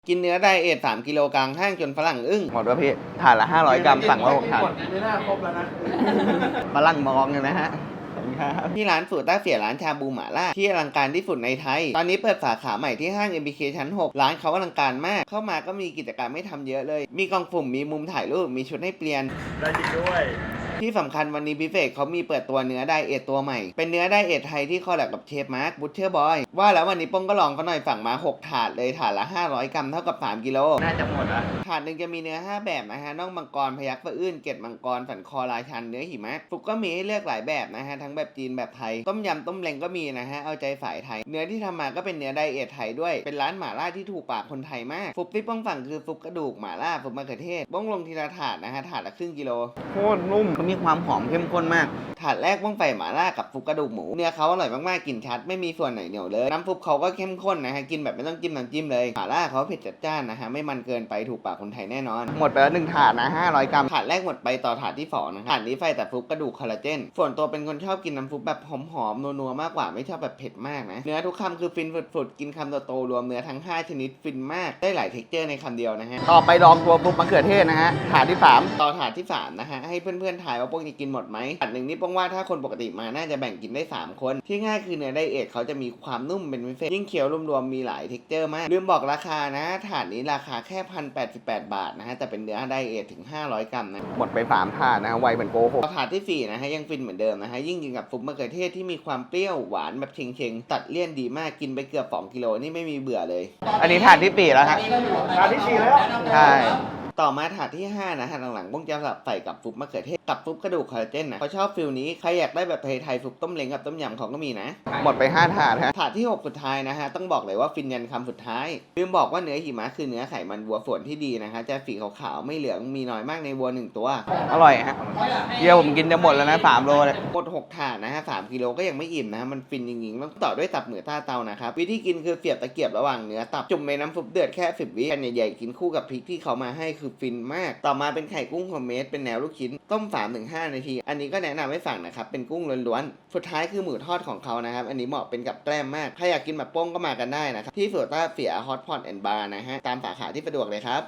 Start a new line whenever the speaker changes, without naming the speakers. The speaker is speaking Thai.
กินเนื้อไดเอท3 กิโลกลางห้างจนฝรั่งอึ้ง
หมดแล้วพี่ถาดละ500 กรัมสั่งมา6ถาด
ไม่น่าครบแล้วนะ
ฝรั่งมองเลยนะฮะขอบคุณครับ
ที่ร้านสูตรต้าเสียร้านชาบูหม่าล่าที่อลังการที่สุดในไทย ตอนนี้เปิดสาขาใหม่ที่ห้าง MBK ชั้น 6 ร้านเขาอลังการมาก เข้ามาก็มีกิจกรรมไม่ทำเยอะเลย มีกล่องสุ่มมีมุมถ่ายรูปมีชุดให้เปลี่ยน
ได้จริงด้วย
ที่สำคัญวันนี้พิเศษเขามีเปิดตัวเนื้อไดเอทตัวใหม่ เป็นเนื้อไดเอทไทยที่คอลแลบกับเชฟมาร์คบูชเชอร์บอยว่าแล้ววันนี้ป้องก็ลองเขาหน่อยสั่งมา6ถาดเลยถาดละ500 กรัมเท่ากับ3 กิโล
น่าจะหมดอ่ะ
ถาดหนึ่งจะมีเนื้อ5แบบนะฮะน่องมังกรพยัคฆ์สะอื้นเกล็ดมังกรสันคอราชันเนื้อหิมะฟุกก็มีให้เลือกหลายแบบนะฮะทั้งแบบจีนแบบไทยต้มยำต้มเล้งก็มีนะฮะเอาใจสายไทยเนื้อที่ทำมาก็เป็นเนื้อไดเอทไทยด้วยเป็นร้านหม่าล่าที่ถูกปากคนไทยมากฟุกที่ป้องสั่งคือฟุกกระดูกหม่าล่าฟุกมะเขือเทศป้องลงทีละถาดนะฮะถาดละครึ่งกิโล
โคตรนุ่มมันมีความหอมเข้มข้นมาก
ถาดแรกบ้องไฟหม่าล่ากับฟุกกระดูกหมูเนื้อเขาอร่อยมากๆกลิ่นชัดไม่มีส่วนไหนเหนียวเลยน้ำฟุกเขาก็เข้มข้นนะฮะกินแบบไม่ต้องจิ้มน้ำจิ้มเลยหม่าล่าเขาเผ็ดจัดจ้านนะฮะไม่มันเกินไปถูกปากคนไทยแน่นอน
หมดไปแล้ว1ถาดนะ500 กรัม
ถาดแรกหมดไปต่อถาดที่2นะถาดนี้ไฟแต่ฟุกกระดูกคอลลาเจนส่วนตัวเป็นคนชอบกินน้ำฟุกแบบหอมๆนัวๆมากกว่าไม่ชอบแบบเผ็ดมากนะเนื้อทุกคำคือฟินฝุดๆกินคำโตๆรวมเนื้อทั้ง5ชนิดฟินมากได้หลายเท็กเจอร์ในคำเดียวนะฮะ
ต่อไปลองตัวซุปมะเขือเทศนะฮะถาดที่3
ต่อถาดที่3นะฮะให้เพื่อนๆทายว่าพวกนี้กินหมดไหมถาดหนึ่งนี่ป้องว่าถ้าคนปกติมาน่าจะแบ่งกินได้3คนที่ง่ายคือเนื้อไดเอทเขาจะมีความนุ่มเป็นพิเศษยิ่งเคี้ยวรวมๆมีหลายเท็กเจอร์มากลืมบอกราคานะถาดนี้ราคาแค่1,088 บาทนะฮะแต่เป็นเนื้อไดเอทถึง500 กรัมนะ
หมดไป3ถาดนะไวเหมือนโกหก
ถาดที่4นะฮะยังฟินเหมือนเดิมนะฮะยิ่งกินกับซุปมะเขือเทศที่มีความเปรี้ยวหวานแบบเชงๆตัดเลี่ยนดีมากกินไปเกือบ2 กิโลนี่ไม่มีเบื่อเลย
อันนี้ถาดที่4แล้วฮะ
ถาดที่4แล้ว
ใช่
ต่อมาถาดที่5นะฮะหลังๆบ้งจะสลับใส่กับซุปมะเขือเทศกับซุปกระดูกคอลลาเจนนะเขาชอบฟิลนี้ใครอยากได้แบบไทยๆซุปต้มเล้งกับต้มยำเขาก็มีนะ
หมดไป5ถาดฮะ
ถาดที่6สุดท้ายนะฮะต้องบอกเลยว่าฟินยันคำสุดท้ายลืมบอกว่าเนื้อหิมะคือเนื้อไขมันวัวส่วนที่ดีนะฮะจะสีขาวๆไม่เหลืองมีน้อยมากในวัว1ตัว
อร่อยฮะเยี่ยผมกินจะหมดแล้วนะ3โลเลย
หมด6ถาดนะฮะ3 กิโลก็ยังไม่อิ่มนะฮะมันฟินจริงๆต้องต่อด้วยตับหมูใต้เตานะครับวิธีกินคือเสียบตะเกียบระหว่างเนื้อตับจุ่มในน้ำซุปเดือดแค่10 วิกันใหญ่ๆกินคู่กับพริกที่เขามาให้คือฟินมากต่อมาเป็นไข่กุ้งโฮมเมดเป็นแนวลูกชิ้นต้ม 3-5 นาทีอันนี้ก็แนะนำให้สั่งนะครับเป็นกุ้งล้วนๆสุดท้ายคือหมูทอดของเขานะครับอันนี้เหมาะเป็นกับแกล้มมากใครอยากกินแบบโป้งก็มากันได้นะครับที่สวนต้าเสียฮอตพอตแอนด์บาร์นะฮะตามสาขาที่สะดวกเลยครับ